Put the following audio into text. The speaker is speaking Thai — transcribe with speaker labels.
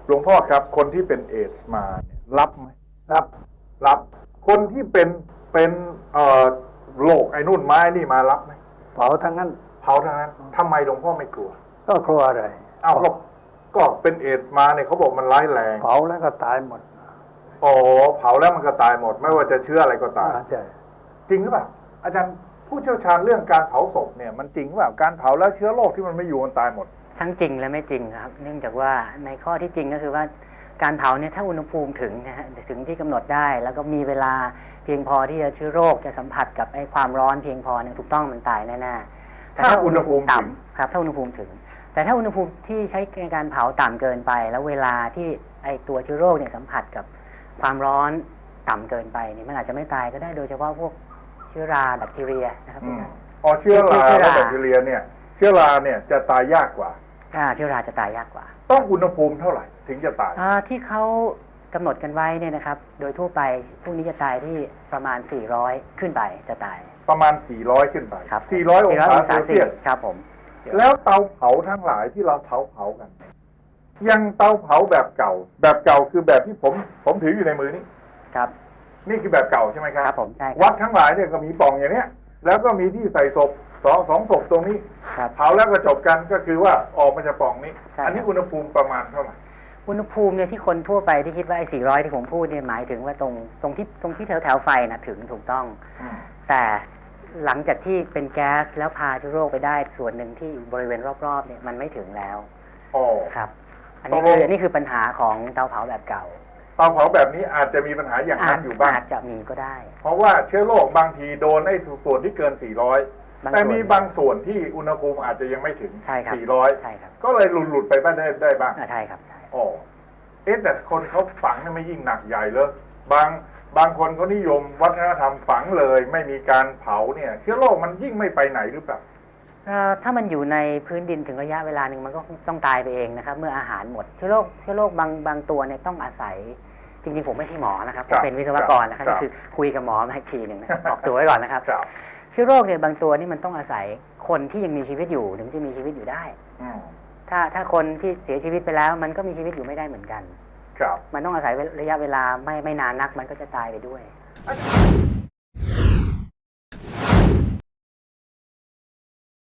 Speaker 1: หลวงพ่อครับคนที่เป็นเอดส์มาเนี่ยรับไหม
Speaker 2: รับ
Speaker 1: รับคนที่เป็นโรคไอ้นู่นไม้นี่มารับไหม
Speaker 2: เผาทั้งนั้น
Speaker 1: เผาทั้งนั้นทำไมหลวงพ่อไม่กลัว
Speaker 2: ก็กลัวอะไร
Speaker 1: อ้าวก็เป็นเอดส์มาเนี่ยเขาบอกมันร้ายแรง
Speaker 2: เผาแล้วก็ตายหมด
Speaker 1: อ๋อเผาแล้วมันก็ตายหมดไม่ว่าจะเชื้ออะไรก็ตาย
Speaker 2: ใช่
Speaker 1: จริงหรือเปล่าอาจารย์ผู้เชี่ยวชาญเรื่องการเผาศพเนี่ยมันจริงหรือเปล่าการเผาแล้วเชื้อโรคที่มันไม่อยู่มันตายหมด
Speaker 3: ทั้งจริงและไม่จริงครับเนื่องจากว่าในข้อที่จริงก็คือว่าการเผาเนี่ยถ้าอุณหภูมิถึงนะฮะถึงที่กำหนดได้แล้วก็มีเวลาเพียงพอที่จะเชื้อโรคจะสัมผัสกับไอ้ความร้อนเพียงพอเนี่ยถูกต้องมันตายแน่ๆแต่
Speaker 1: ถ้าอุณหภูมิ
Speaker 3: ต่ำครับถ้าอุณหภูมิถึงแต่ถ้าอุณหภูมิที่ใช้ในการเผาต่ำเกินไปแล้วเวลาที่ไอ้ตัวเชื้อโรคเนี่ยสัมผัสกับความร้อนต่ำเกินไปเนี่ยมันอาจจะไม่ตายก็ได้โดยเฉพาะพวกเชื้อราแบคทีเรียนะครับ
Speaker 1: อ๋อเชื้อราและแบคทีเรียเนี่ยเชื้อราเนี่ยจะตายยากกว่า
Speaker 3: เชื้อราจะตายยากกว่า
Speaker 1: ต้องอุณหภูมิเท่าไหร่ถึงจะตาย
Speaker 3: ที่เขากำหนดกันไว้เนี่ยนะครับโดยทั่วไปพวกนี้จะตายที่ประมาณ400ขึ้นไปจะตาย
Speaker 1: ประมาณ400ขึ้นไป
Speaker 3: ครับ
Speaker 1: 400องศาเซลเซียส
Speaker 3: ครับผม
Speaker 1: แล้วเตาเผาทั้งหลายที่เราเผากันยังเตาเผาแบบเก่าคือแบบที่ผมถืออยู่ในมือนี้
Speaker 3: ครับ
Speaker 1: นี่คือแบบเก่าใช่ไหมครับ
Speaker 3: ครับผมใช่
Speaker 1: วัดทั้งหลายเนี่ยก็มีปล่องอย่างเนี้ยแล้วก็มีที่ใส่ศพสองศพตรงนี้เผาแล้วก็จบกันก็คือว่าออกมาจากปล่องนี้อันนี้อุณหภูมิประมาณเท่าไหร่
Speaker 3: อุณหภูมิเนี่ยที่คนทั่วไปที่คิดว่าไอ้400ที่ผมพูดเนี่ยหมายถึงว่าตรงที่แถวไฟนะถึงถูกต้องแต่หลังจากที่เป็นแก๊สแล้วพาเชื้อโรคไปได้ส่วนหนึ่งที่อยู่บริเวณรอบๆเนี่ยมันไม่ถึงแล้วครับอันนี้คือปัญหาของเตาเผาแบบเก่า
Speaker 1: เตาเผาแบบนี้อาจจะมีปัญหาอย่างนั้นอยู่บ้าง
Speaker 3: อาจจะมีก็ได้
Speaker 1: เพราะว่าเชื้อโรคบางทีโดนไอ้ส่วนที่เกิน400แต่มีบางส่วนที่อุณหภูมิอาจจะยังไม่ถึง400
Speaker 3: ใช่ครับ
Speaker 1: ก็เลยหลุดไปบ้างได้บ้าง
Speaker 3: ใช่ครับ
Speaker 1: อ๋อแต่คนเขาฝังไม่ยิ่งหนักใหญ่เลยบางคนเขานิยมวัฒนธรรมฝังเลยไม่มีการเผาเนี่ยเชื้อโรคมันยิ่งไม่ไปไหนหรือเปล่า
Speaker 3: ถ้ามันอยู่ในพื้นดินถึงระยะเวลาหนึ่งมันก็ต้องตายไปเองนะครับเมื่ออาหารหมดเชื้อโรคบางตัวเนี่ยต้องอาศัยจริงๆผมไม่ใช่หมอนะครับผมเป็นวิศวกรนะครับก็คือคุยกับหมอมาอีกทีหนึ่งนะออกตัวไว้ก่อนนะครับเชื้อโรคเนี่ยบางตัวนี่มันต้องอาศัยคนที่ยังมีชีวิตอยู่ถึงจะมีชีวิตอยู่ได้ถ้าคนที่เสียชีวิตไปแล้วมันก็มีชีวิตอยู่ไม่ได้เหมือนกันมันต้องอาศัยระยะเวลาไม่นานนักมันก็จะตายไปด้วย